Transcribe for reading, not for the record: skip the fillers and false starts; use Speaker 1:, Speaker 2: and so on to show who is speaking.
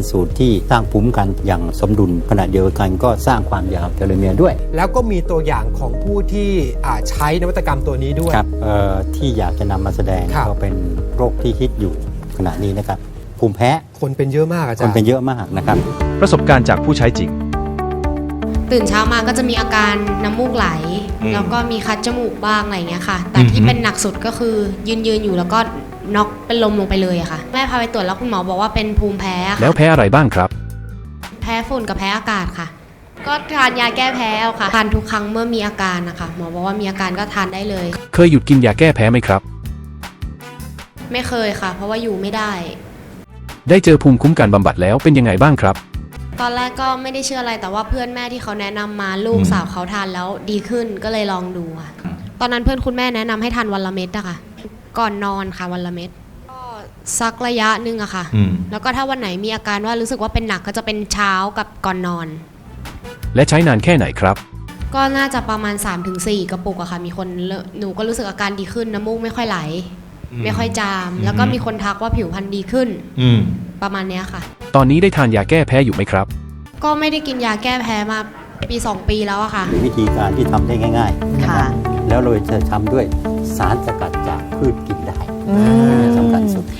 Speaker 1: สูตรที่สร้างภูมิคุ้มกันอย่างสมดุลขณะเดียวกันก็สร้างความยาวเทโลเมียร์ด้วย
Speaker 2: แล้วก็มีตัวอย่างของผู้ที่ใช้นวัตกรรมตัวนี้ด้วย
Speaker 1: ครับที่อยากจะนำมาแสดง
Speaker 2: ครับ
Speaker 1: ก็เป็นโรคที่ฮิตอยู่ขณะนี้นะครับภูมิแพ้
Speaker 2: คนเป็นเยอะมากอาจาร
Speaker 1: คน
Speaker 2: ย์
Speaker 1: เป็นเยอะมากนะครับ
Speaker 3: ประสบการณ์จากผู้ใช้จริง
Speaker 4: ตื่นเช้ามาก็จะมีอาการน้ำมูกไหล แล้วก็มีคัดจมูกบ้างอะไรอย่างเงี้ยค่ะ แต่ที่เป็นหนักสุดก็คือยืนอยู่แล้วก็น็อกเป็นลมลงไปเลยอะค่ะแม่พาไปตรวจแล้วคุณหมอบอกว่าเป็นภูมิแพ้ค่ะ
Speaker 3: แล้วแพ้อะไรบ้างครับ
Speaker 4: แพ้ฝุ่นกับแพ้อากาศค่ะ ก็ทานยาแก้แพ้เอาค่ะทานทุกครั้งเมื่อมีอาการนะคะหมอบอกว่ามีอาการก็ทานได้เลย
Speaker 3: เคยหยุดกินยาแก้แพ้ไหมครับ
Speaker 4: ไม่เคยค่ะ เพราะว่าอยู่ไม่ได้
Speaker 3: ได้เจอภูมิคุ้มกันบำบัดแล้วเป็นยังไงบ้างครับ
Speaker 4: ตอนแรกก็ไม่ได้เชื่ออะไรแต่ว่าเพื่อนแม่ที่เขาแนะนำมาลูกสาวเขาทานแล้วดีขึ้นก็เลยลองดูค่ะตอนนั้นเพื่อนคุณแม่แนะนำให้ทานวันละเม็ดอะค่ะก่อนนอนค่ะวันละเม็ดก็สักระยะหนึ่งอะค่ะแล้วก็ถ้าวันไหนมีอาการว่ารู้สึกว่าเป็นหนักก็จะเป็นเช้ากับก่อนนอน
Speaker 3: และใช้นานแค่ไหนครับ
Speaker 4: ก็น่าจะประมาณ 3-4 กระปุกอะค่ะมีคนหนูก็รู้สึกอาการดีขึ้นน้ำมูกไม่ค่อยไหล ไม่ค่อยจาม แล้วก็มีคนทักว่าผิวพรรณดีขึ้นประมาณเนี้ยค่ะ
Speaker 3: ตอนนี้ได้ทานยาแก้แพ้อยู่ไหมครับ
Speaker 4: ก็ไม่ได้กินยาแก้แพ้มาปี2 ปีแล้วอะค่ะ
Speaker 1: วิธีการที่ทำได้ง่ายๆนะครับ
Speaker 5: ค่ะ
Speaker 1: แล้วเราจะทำด้วยสารสกัดจากพืชกินได้สำคัญสุด